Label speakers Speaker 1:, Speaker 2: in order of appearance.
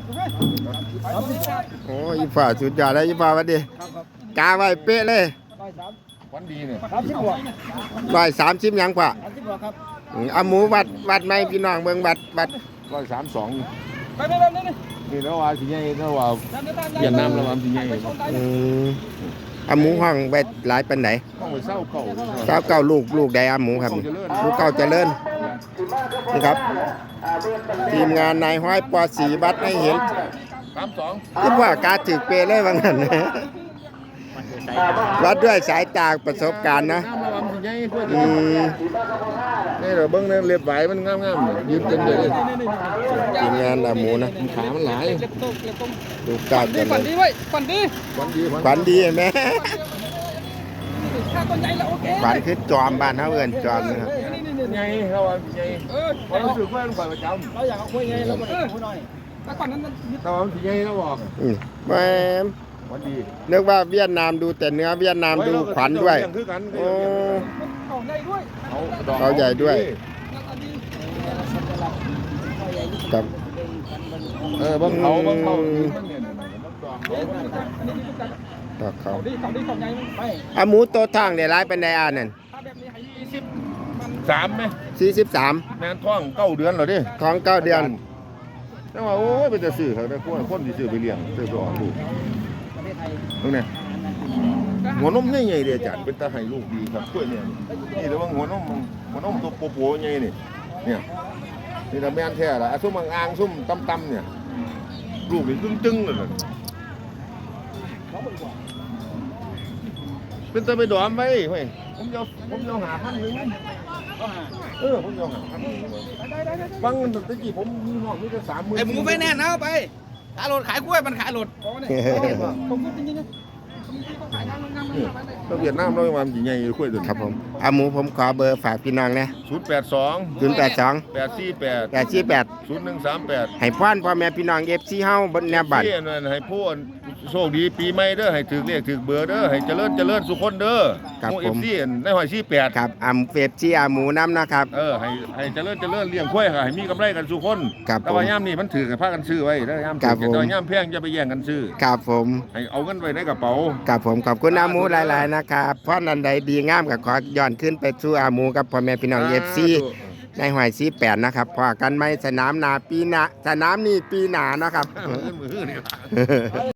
Speaker 1: โอ้ยฝ่าสุดยอดเลยฝ่าวันดีกาไว้เป๊ะเลย
Speaker 2: วันดีเนี่ย
Speaker 1: 130ยังฝ่าเอาหมูวัดไหมพี่น้องเบิ่งวัด
Speaker 2: 132
Speaker 3: ไปแบบนี้
Speaker 2: นี่แล้วว่าสิใหญ่แล้วว่าเวียดนามแล้วว่าสิใหญ่
Speaker 1: เอาหมูห้องไปหลายปันไหน
Speaker 2: ต้องไปเศร้า
Speaker 1: เก้าลูกใดเอาหมูครับลูกเก้าเจริญนี่ครับทีมงานนายห้อยปอสีวัดให้เห็น
Speaker 2: 32
Speaker 1: คิดว่าการถือเปเลยว่างั้นวัดด้วยสายตาประสบการณ์นะ
Speaker 2: นี่เราเบิ้งเนี่ยเรียบไหวมันงามๆยืนเต็มเลย
Speaker 1: ทีมงานหมูนะ
Speaker 2: ขามันหลาย
Speaker 1: ลูกเก้าเจริญ
Speaker 3: ฝันดีไว้ฝันดี
Speaker 1: ไหมฝันคือจอมบ้านเขาเอิ้นจอมนะครับ
Speaker 2: ไงเราไงเรารู้สึกว่ามันฝันประจำ
Speaker 3: เราอยากเอาคุยไงเราบอกคุยหน่อยแต่ก่อนนั้น
Speaker 2: เราสิไงเราบอก
Speaker 1: แม่นึกว่าเวียดนามดูแต่เนื้อเวียดนามดูขวัญด้วยโอ้เขาใหญ่ด้วยครับ
Speaker 2: บังเขา
Speaker 1: ต่อเขาหมูโตทางเดี๋ยวร้ายเป็นไดอานั่น
Speaker 2: 43ไหม
Speaker 1: 43
Speaker 2: แม่ท้อง9 เดือนเหรอดิ
Speaker 1: ท้อง9 เดือน
Speaker 2: แต่ว่าโอ้ยเป็นจะซื้อเขาได้คนที่ซื้อไปเลี้ยงซื้อไปออกลูกตรงนี้หัวนมใหญ่ๆเดี๋ยวจัดเป็นตาให้ลูกดีครับกล้วยเนี่ยนี่แต่ว่าหัวนมตัวโปๆใหญ่นี่เนี่ยนี่ละแม่นแท้ละซุ่มอ่างซุ่มตำเนี่ยลูกนี่ตึงๆเลยเป็นตาไปดอมไว้เฮ้ยผมจะหา1,000ผมจะหา1,000ฟังตะกี้ผมมีนอกมีแต่30,000
Speaker 3: ไอ้หมูไปแน่นเอาไปขายรถขายกล้วยมันขายรถผมพูดจริงๆนะ
Speaker 2: เราเวียดนามเราไม่มาใหญ่ๆคุยตัว
Speaker 1: ครับผมเอาหมูผมขอเบอร์ฝากพี่น้องนะ
Speaker 2: 082 848 0138
Speaker 1: ให้พ่อนพ่อแม่พี่น้องFCเฮาบนแนวบัตร
Speaker 2: ให้ผู้โชคดีปีใหม่เด้อให้ถือเลขถือเบอร์เด้อให้เจริญสุขคนเด้อ
Speaker 1: ครับผม
Speaker 2: FC ในหอย48
Speaker 1: ครับFC หมูน้ำนะครับ
Speaker 2: ให้เจริญเลี้ยงควายให้มีกำไรกันสุขคนแต่ว่ายามนี้มันถือกันพากันซื้อไว้แล้วยามถือแต่ยามแพงอย่าไปแย่งกันซื้อ
Speaker 1: ครับผม
Speaker 2: ให้เอาเงินไว้ในกระเป๋า
Speaker 1: ครับผมขอบคุณหมูหลายๆนะครับเพราะนันใดดีงามก็ขอย้อนขึ้นไปสู่หมูกับพ่อแม่พี่น้องFCในหอย48นะครับพอกันไหมสนามนาปีหน้าสนามนี้ปีหน้านะครับ